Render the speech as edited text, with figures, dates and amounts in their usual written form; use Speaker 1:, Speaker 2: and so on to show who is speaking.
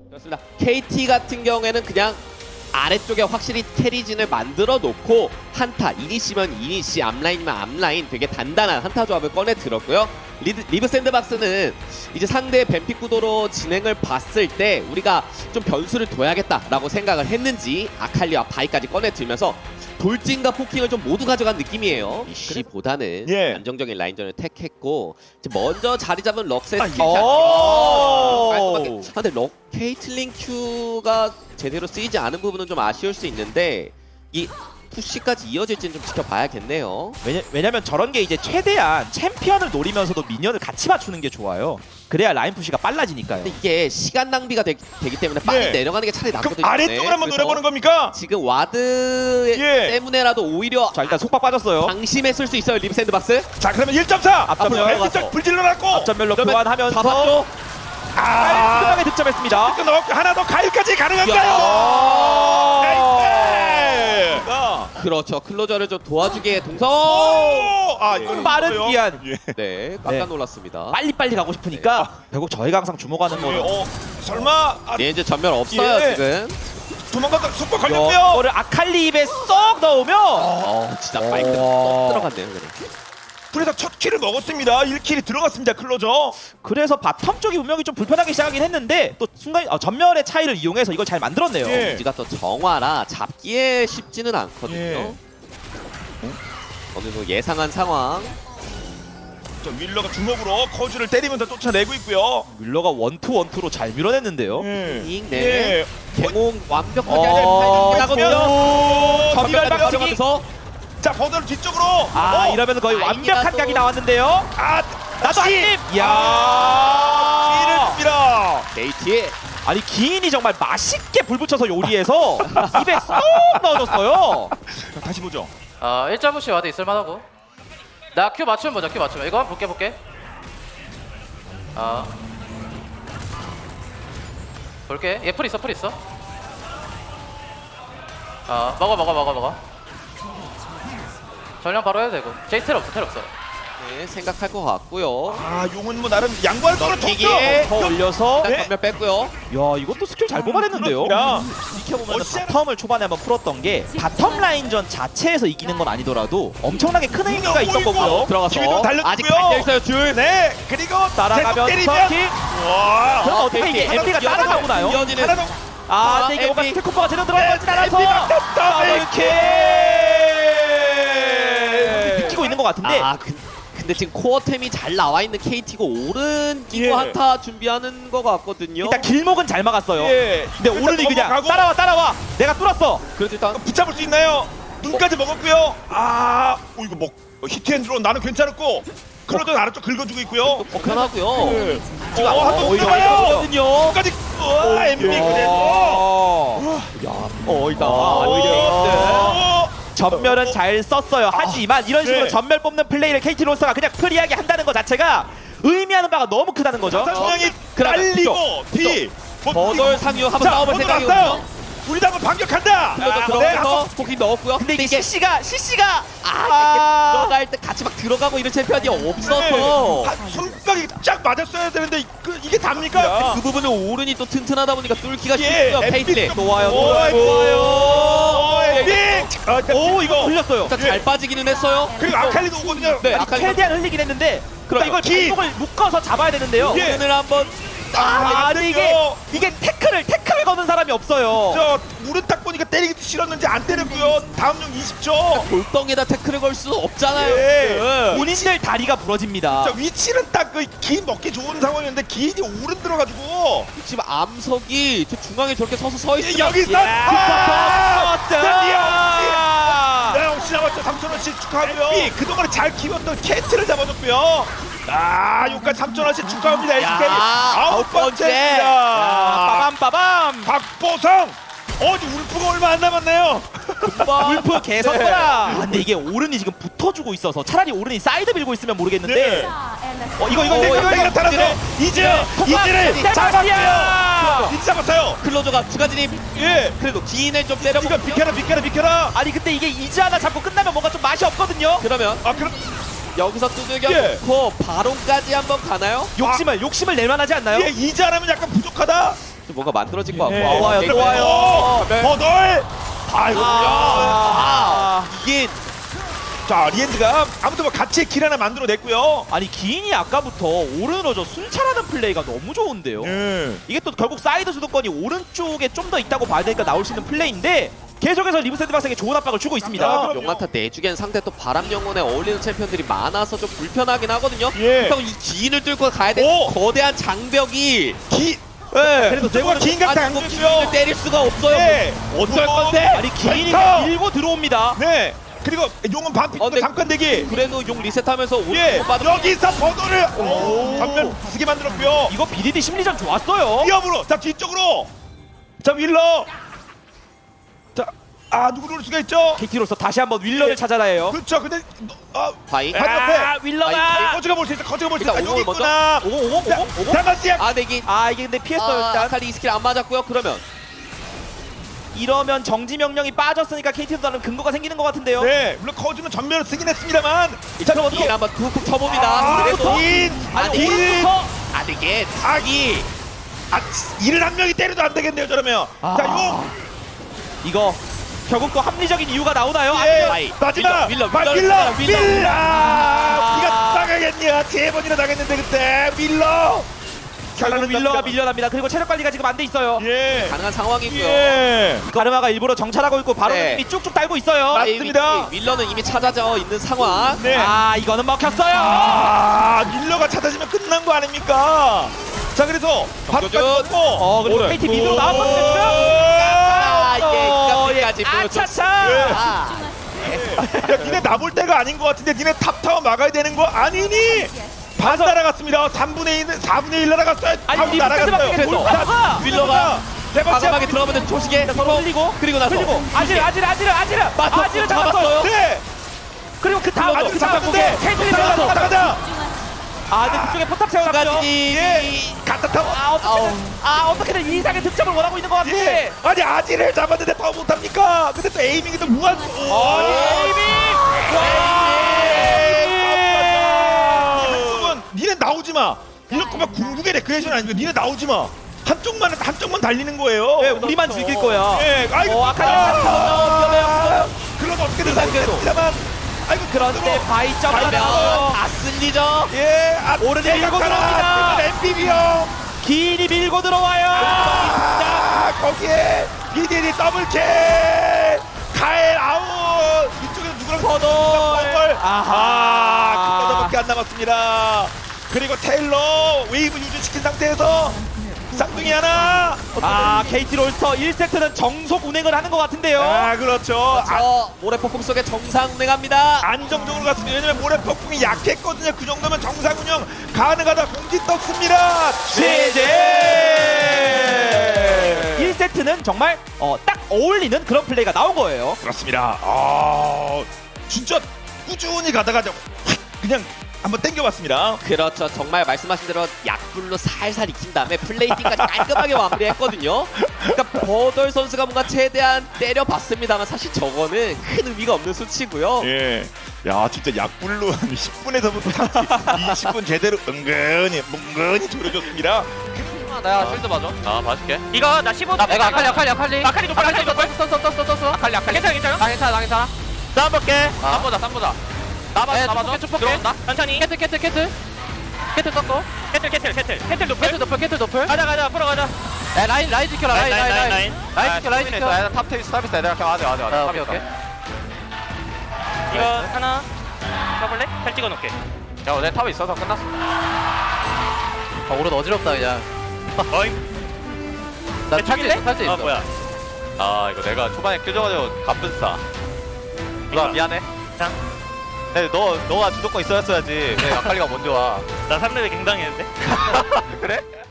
Speaker 1: 그렇습니다. KT 같은 경우에는 그냥 아래쪽에 확실히 캐리진을 만들어 놓고 한타, 이니시면 이니시, 앞라인이면 앞라인 되게 단단한 한타 조합을 꺼내 들었고요. 리브 샌드박스는 이제 상대의 뱀픽 구도로 진행을 봤을 때 우리가 좀 변수를 둬야겠다라고 생각을 했는지 아칼리와 바이까지 꺼내 들면서 돌진과 포킹을 좀 모두 가져간 느낌이에요. 이시보다는
Speaker 2: 예.
Speaker 1: 안정적인 라인전을 택했고 이제 먼저 자리 잡은 럭스의
Speaker 2: 오!
Speaker 1: 근데 케이틀린 Q가 제대로 쓰이지 않은 부분은 좀 아쉬울 수 있는데 이 푸시까지 이어질지는 좀 지켜봐야겠네요.
Speaker 3: 왜냐면 저런 게 이제 최대한 챔피언을 노리면서도 미니언을 같이 맞추는 게 좋아요. 그래야 라인 푸시가 빨라지니까요.
Speaker 1: 근데 이게 시간 낭비가 되기 때문에 빨리
Speaker 2: 예.
Speaker 1: 내려가는 게 차라리
Speaker 2: 그럼
Speaker 1: 낫거든요.
Speaker 2: 아래쪽을 한번
Speaker 1: 그래서
Speaker 2: 노려보는 겁니까?
Speaker 1: 지금 와드
Speaker 2: 예.
Speaker 1: 때문에라도 오히려
Speaker 3: 자 일단 속박 빠졌어요.
Speaker 1: 방심했을 수 있어요. 리브 샌드박스.
Speaker 2: 자 그러면 1.4
Speaker 3: 앞전면
Speaker 2: 왼쪽
Speaker 1: 가서.
Speaker 2: 불질러 놨고
Speaker 3: 앞전멸로
Speaker 1: 그러면
Speaker 3: 교환하면서
Speaker 1: 잡았죠?
Speaker 3: 깔끔하게 득점했습니다.
Speaker 2: 끊어먹고 하나 더 가일까지
Speaker 1: 야.
Speaker 2: 가능한가요? 나이스!
Speaker 1: 그렇죠. 클로저를 좀 도와주기에 동선.
Speaker 2: 아 이건
Speaker 3: 빠른
Speaker 2: 있어요.
Speaker 3: 기한.
Speaker 2: 예.
Speaker 1: 네, 깜짝 놀랐습니다.
Speaker 3: 빨리빨리 가고 싶으니까 결국 저희가 항상 주목하는 거는
Speaker 2: 설마
Speaker 1: 렌즈 전멸 없어요
Speaker 2: 예.
Speaker 1: 지금.
Speaker 2: 도망갔다 속박 걸렸고요.
Speaker 3: 이거를 아칼리 입에 쏙 넣으면
Speaker 1: 진짜 마이크
Speaker 3: 어.
Speaker 1: 들어갔네요. 그래.
Speaker 2: 그래서 첫 킬을 먹었습니다. 1킬이 들어갔습니다. 클로저.
Speaker 3: 그래서 바텀 쪽이 분명히 좀 불편하게 시작하긴 했는데 또 순간 전멸의 차이를 이용해서 이걸 잘 만들었네요.
Speaker 2: 예.
Speaker 1: 우지가 또 정화라 잡기에 쉽지는 않거든요.
Speaker 2: 예.
Speaker 1: 어느 정도 예상한 상황.
Speaker 2: 저 윌러가 주먹으로 커즈를 때리면서 쫓아내고 있고요.
Speaker 3: 윌러가 원투로 잘 밀어냈는데요.
Speaker 1: 네.
Speaker 2: 예.
Speaker 1: 개몽 완벽하게
Speaker 3: 어,
Speaker 1: 하거든요.
Speaker 3: 전멸
Speaker 1: 전멸
Speaker 3: 박치기.
Speaker 1: 가져가면서
Speaker 2: 자 버들 뒤쪽으로.
Speaker 3: 이러면 거의 완벽한
Speaker 1: 라인이라도-
Speaker 3: 각이 나왔는데요. 나도 한 입.
Speaker 2: 킬을
Speaker 3: 이야.
Speaker 2: 줍니다.
Speaker 1: KT.
Speaker 3: 아니 기인이 정말 맛있게 불 붙여서 요리해서 입에 쏙 넣어줬어요.
Speaker 2: 자, 다시 보죠.
Speaker 4: 1.5씩 와도 있을만하고. 나 Q 맞추면 보자. Q 맞추면 이거 한번 볼게. 볼게. 얘 풀 있어. 먹어. 전령 바로 해도 되고. 제이 텔 없어.
Speaker 1: 네, 생각할 것 같고요.
Speaker 2: 용은 뭐 나름 양보할 거는
Speaker 1: 넘기기.
Speaker 2: 줬죠.
Speaker 3: 더 올려서
Speaker 1: 일단
Speaker 2: 네.
Speaker 1: 전멸 뺐고요.
Speaker 3: 야 이것도 스킬 잘 뽑아냈는데요. 지켜보면
Speaker 2: 어시아는-
Speaker 3: 바텀을 초반에 한번 풀었던 게 바텀 라인전 자체에서 이기는 건 아니더라도 엄청나게 큰 의미가 있던 거고요.
Speaker 1: 들어가서
Speaker 2: 기회도 달렸고요.
Speaker 1: 아직 달려 있어요. 줄.
Speaker 2: 네. 그리고
Speaker 3: 따라가면서
Speaker 2: 계속 때리면.
Speaker 3: 킥.
Speaker 2: 와.
Speaker 3: 그럼 어떻게
Speaker 1: KT.
Speaker 3: 이게 MP가 따라가고 나요?
Speaker 1: 이어지는
Speaker 2: 하나 더.
Speaker 3: 근데 이게 뭔가
Speaker 1: MP.
Speaker 3: 스킬 콤보가 제대로 들어가지 않아서
Speaker 2: 이렇게.
Speaker 3: 느끼고 있는 것 같은데
Speaker 1: 근데 지금 코어템이 잘 나와 있는 KT고 오른
Speaker 2: 예.
Speaker 1: 기고 한타 준비하는 것 같거든요.
Speaker 3: 일단 길목은 잘 막았어요.
Speaker 2: 예.
Speaker 3: 근데 오른이 그냥
Speaker 2: 넘어가고.
Speaker 3: 따라와 내가 뚫었어.
Speaker 1: 그래도 일단
Speaker 2: 붙잡을 수 있나요? 눈까지 먹었고요. 이거 뭐 히트앤드로 나는 괜찮았고 클로저 아래쪽 긁어주고 있고요.
Speaker 1: 편하고요.
Speaker 2: 예.
Speaker 3: 오히려
Speaker 2: 한번 붙잡아요.
Speaker 3: 오히려
Speaker 2: 눈까지. MB 그래서.
Speaker 3: 일단
Speaker 2: 오히려.
Speaker 3: 전멸은 잘 썼어요. 하지만 이런 식으로
Speaker 2: 네.
Speaker 3: 전멸 뽑는 플레이를 KT 로스가 그냥 프리하게 한다는 것 자체가 의미하는 바가 너무 크다는 거죠.
Speaker 2: 성향이
Speaker 1: 그러면
Speaker 2: 날리고 뒤.
Speaker 1: 버돌 상유 한번
Speaker 2: 자,
Speaker 1: 싸움을
Speaker 2: 버돌
Speaker 1: 생각이거든요.
Speaker 2: 왔어요. 우리 당은 반격한다.
Speaker 1: 클로저 들어가서 포킹 넣었고요.
Speaker 3: 근데 이게
Speaker 1: 이게
Speaker 3: CC가
Speaker 1: 들어갈 때 같이 막 들어가고 이런 챔피언이 없어서
Speaker 2: 손가락이 쫙 맞았어야 되는데 이게 답니까?
Speaker 1: 그 부분은 오른이 또 튼튼하다 보니까 뚫기가
Speaker 2: 예,
Speaker 1: 쉽고요. 페이틀리
Speaker 2: 엠비
Speaker 1: 좋아요.
Speaker 2: 오,
Speaker 3: 오 이거 흘렸어요.
Speaker 1: 일단 잘 빠지기는 했어요.
Speaker 2: 그리고 아칼리도 오거든요.
Speaker 1: 네, 아칼리
Speaker 3: 최대한 흘리긴 했는데
Speaker 1: 그럼
Speaker 3: 이걸
Speaker 2: 기.
Speaker 3: 발목을 묶어서 잡아야 되는데요.
Speaker 2: 예.
Speaker 1: 오른을 한번
Speaker 3: 근데 이게 태클을 거는 사람이 없어요.
Speaker 2: 저 물은 딱 보니까 때리기도 싫었는지 안 때렸고요. 다음 용 20초.
Speaker 1: 돌덩이에다 태클을 걸 수는 없잖아요.
Speaker 2: 예.
Speaker 3: 본인들 다리가 부러집니다.
Speaker 2: 자 위치는 딱 그 기 먹기 좋은 상황이었는데 기인이 오른 들어가지고
Speaker 1: 지금 암석이 저 중앙에 저렇게 서서 있으면
Speaker 2: 여기 있어. 혹시 잡았죠. 3,000원씩 축하하고요. 그동안에 잘 키웠던 캐트를 잡아줬고요. 여기까지 3,000원씩 축하합니다. LCK 아홉 번째입니다.
Speaker 3: 빠밤.
Speaker 2: 박보성. 울프가 얼마 안 남았나요?
Speaker 3: 울프 개선거라. 근데 이게 오른이 지금 붙어주고 있어서 차라리 오른이 사이드 밀고 있으면 모르겠는데
Speaker 2: 네.
Speaker 3: 이거
Speaker 2: 나타나서 이제를 잡았고요. 이제 잡았어요.
Speaker 1: 클로저가 두 진입.
Speaker 2: 예.
Speaker 1: 그래도 기인을 좀 때려보.
Speaker 2: 이거 비켜라.
Speaker 3: 아니 근데 이게 이즈 하나 잡고 끝나면 뭔가 좀 맛이 없거든요.
Speaker 1: 그러면
Speaker 2: 그럼
Speaker 1: 여기서 두들겨
Speaker 2: 예.
Speaker 1: 놓고 바론까지 한번 가나요?
Speaker 3: 욕심을 낼 만하지 않나요?
Speaker 2: 이제 안 하면 약간 부족하다.
Speaker 1: 좀 뭔가 만들어진 것 같고.
Speaker 2: 네.
Speaker 3: 좋아요,
Speaker 1: 되게-
Speaker 3: 좋아요.
Speaker 2: 네. 버돌. 아이고.
Speaker 1: 이게
Speaker 2: 자 리엔드가 아무튼 뭐 같이 길 하나 만들어냈고요.
Speaker 3: 아니 기인이 아까부터 오른으로 저 순찰하는 플레이가 너무 좋은데요. 이게 또 결국 사이드 주도권이 오른쪽에 좀 더 있다고 봐야 되니까 나올 수 있는 플레이인데 계속해서 리브 샌드박스에게 좋은 압박을 주고 있습니다.
Speaker 2: 아,
Speaker 1: 용한타 내주기엔 상대 또 바람 영혼에 어울리는 챔피언들이 많아서 좀 불편하긴 하거든요.
Speaker 2: 예.
Speaker 1: 형 이 기인을 뚫고 가야 되는
Speaker 2: 오!
Speaker 1: 거대한 장벽이
Speaker 2: 기. 네.
Speaker 3: 그래도
Speaker 2: 내가 긴 각도 안
Speaker 1: 기인을
Speaker 2: 줬어요.
Speaker 1: 때릴 수가 없어요.
Speaker 2: 네.
Speaker 1: 어쩔 건데?
Speaker 3: 아니 기인이
Speaker 2: 펜타!
Speaker 3: 밀고 들어옵니다.
Speaker 2: 네. 그리고 용은 반피
Speaker 1: 근데
Speaker 2: 잠깐 대기.
Speaker 1: 그래도 용 리셋하면서
Speaker 2: 예.
Speaker 1: 오른쪽 빠져.
Speaker 2: 여기서 버돌을 전면 쓰게 만들었고요.
Speaker 3: 이거 BDD 심리전 좋았어요.
Speaker 2: 위협으로. 자 뒤쪽으로. 자 윌러. 자. 누구 누를 수가 있죠?
Speaker 3: KT로서 다시 한번 윌러를 찾아라 해요.
Speaker 2: 그렇죠. 근데
Speaker 1: 바이.
Speaker 3: 윌러가
Speaker 2: 거지가 볼 수 있어. 거지가 볼 수 있어.
Speaker 1: 일단
Speaker 2: 여기
Speaker 1: 오공을 먼저.
Speaker 2: 있구나.
Speaker 3: 오공.
Speaker 2: 다마스야.
Speaker 1: 아 내기.
Speaker 3: 이게 근데 피했어요 일단.
Speaker 1: 아칼리 이 스킬 안 맞았고요. 그러면
Speaker 3: 이러면 정지 명령이 빠졌으니까 KT도 나름 근거가 생기는 것 같은데요.
Speaker 2: 네. 물론 거지는 전면을 쓰긴 했습니다만.
Speaker 3: 그럼
Speaker 1: 길 한번 툭툭 쳐봅니다. 그래도
Speaker 2: 긴.
Speaker 1: 아니
Speaker 2: 긴.
Speaker 1: 오른부터 이게
Speaker 2: 자기. 이를 한 명이 때려도 안 되겠네요. 저러면. 자 용.
Speaker 3: 이거 결국 또 합리적인 이유가 나오나요?
Speaker 2: 예.
Speaker 1: 바이.
Speaker 2: 마지막.
Speaker 1: 윌러,
Speaker 2: 윌러.
Speaker 1: 윌러, 윌러.
Speaker 2: 네가 나가겠냐? 3번이나 나갔는데 그때 윌러.
Speaker 3: 결국 윌러가 밀려납니다. 그리고 체력 관리가 지금 안 돼 있어요.
Speaker 2: 예.
Speaker 1: 가능한 상황이고요.
Speaker 2: 예.
Speaker 3: 가르마가 일부러 정찰하고 있고 바로
Speaker 1: 네.
Speaker 3: 이미 쭉쭉 달고 있어요.
Speaker 2: 맞습니다.
Speaker 1: 윌러는 이미 찾아져 있는 상황.
Speaker 2: 네.
Speaker 3: 이거는 먹혔어요.
Speaker 2: 밀러가 찾아지면 끝난 거 아닙니까? 자 그래서
Speaker 1: 정교준.
Speaker 2: 바꿔.
Speaker 3: 그리고 KT 미드로 나왔거든요.
Speaker 1: 이게 까지 보여줬어.
Speaker 3: 아차차.
Speaker 2: 야, 니네 나볼 때가 아닌 것 같은데 니네 탑타워 막아야 되는 거 아니니? 반 날아갔습니다. 3분의 1, 4분의 1 날아갔어요.
Speaker 3: 아니,
Speaker 2: 탑
Speaker 3: 리브
Speaker 2: 날아갔어요.
Speaker 3: 샌드박스에
Speaker 2: 자,
Speaker 1: 윌러가
Speaker 2: 대박이야.
Speaker 1: 과감하게 들어가면 조식에
Speaker 3: 서로 흘리고
Speaker 1: 그리고 나서
Speaker 3: 아지르
Speaker 1: 잡았어요.
Speaker 2: 네.
Speaker 3: 그리고 그 다음
Speaker 2: 아지르 잡았는데
Speaker 3: KT
Speaker 2: 나가자.
Speaker 3: 근데 그쪽에 포탑 세워놨죠.
Speaker 2: 예. 갖다 타워.
Speaker 3: 어떻게든 이상의 득점을 원하고 있는 것 같은데.
Speaker 2: 예. 아니 아지를 잡았는데 더 못합니까? 근데 또 에이밍이 또 무한. 한쪽은 니네 나오지 마. 이렇게 막 궁극의 레크레이션 아니고 니네 나오지 마. 한쪽만 달리는 거예요.
Speaker 3: 네, 우리만 즐길 거야.
Speaker 2: 예, 아이고.
Speaker 3: 위험해요.
Speaker 2: 그럼 어떻게든
Speaker 1: 상대도.
Speaker 2: 살겠습니다만. 아이고
Speaker 3: 그런데 바이점
Speaker 1: 그러면
Speaker 3: 하나.
Speaker 1: 다 쓸리죠.
Speaker 2: 예,
Speaker 3: 오른에 밀고 들어옵니다.
Speaker 2: MPB 형.
Speaker 3: 기인이 밀고 들어와요.
Speaker 2: 거기에 BDD 더블킬. 카엘 아웃. 이쪽에서 누구랑
Speaker 3: 버돌.
Speaker 2: 그거밖에 안 남았습니다. 그리고 테일러 웨이브 유지시킨 상태에서 쌍둥이 하나.
Speaker 3: KT 롤스터 1세트는 정속 운행을 하는 것 같은데요.
Speaker 2: 그렇죠.
Speaker 1: 모래폭풍 속에 정상 운행합니다.
Speaker 2: 안정적으로 갔습니다. 왜냐면 모래 폭풍이 약했거든요. 그 정도면 정상 운영 가능하다. 공지 떴습니다. 제제.
Speaker 3: 1세트는 정말 딱 어울리는 그런 플레이가 나온 거예요.
Speaker 2: 그렇습니다. 진짜 꾸준히 가다가 그냥 한번 땡겨봤습니다.
Speaker 1: 그렇죠. 정말 말씀하신 대로 약불로 살살 익힌 다음에 플레이팅까지 깔끔하게 마무리했거든요. 그러니까 버덜 선수가 뭔가 최대한 때려봤습니다만 사실 저거는 큰 의미가 없는 수치고요.
Speaker 2: 예. 야 진짜 약불로 한 10분에서부터 20분 제대로 은근히 조려줬습니다.
Speaker 4: 내가 실드 봐줘. 봐줄게. 이거 나 15. 내가 아칼리. 아칼리 떴어. 아칼리. 괜찮아. 싸움 볼게. 싸움 보자. 나봐줘. 들어온다. 천천히. 캐틀 떴고. 캐틀 높을. 가자. 풀어 가자. 라인 지켜라. 라인 지켜. 탑 테이스 서비스 내가 그냥 하자. 오케이.
Speaker 5: 이거 하나 써볼래? 잘 찍어놓게.
Speaker 4: 야, 내 탑에 있어서 끝났어. 오른 어지럽다 그냥.
Speaker 5: 어이.
Speaker 4: 나 탈지 있어.
Speaker 5: 뭐야?
Speaker 4: 이거 내가 초반에 껴줘가지고 갑분싸. 누나 미안해.
Speaker 5: 자.
Speaker 4: 근데 너가 주도권 있어야지. 왜 아칼리가 먼저 와?
Speaker 5: 나 3렙에 갱당했는데.
Speaker 4: 그래?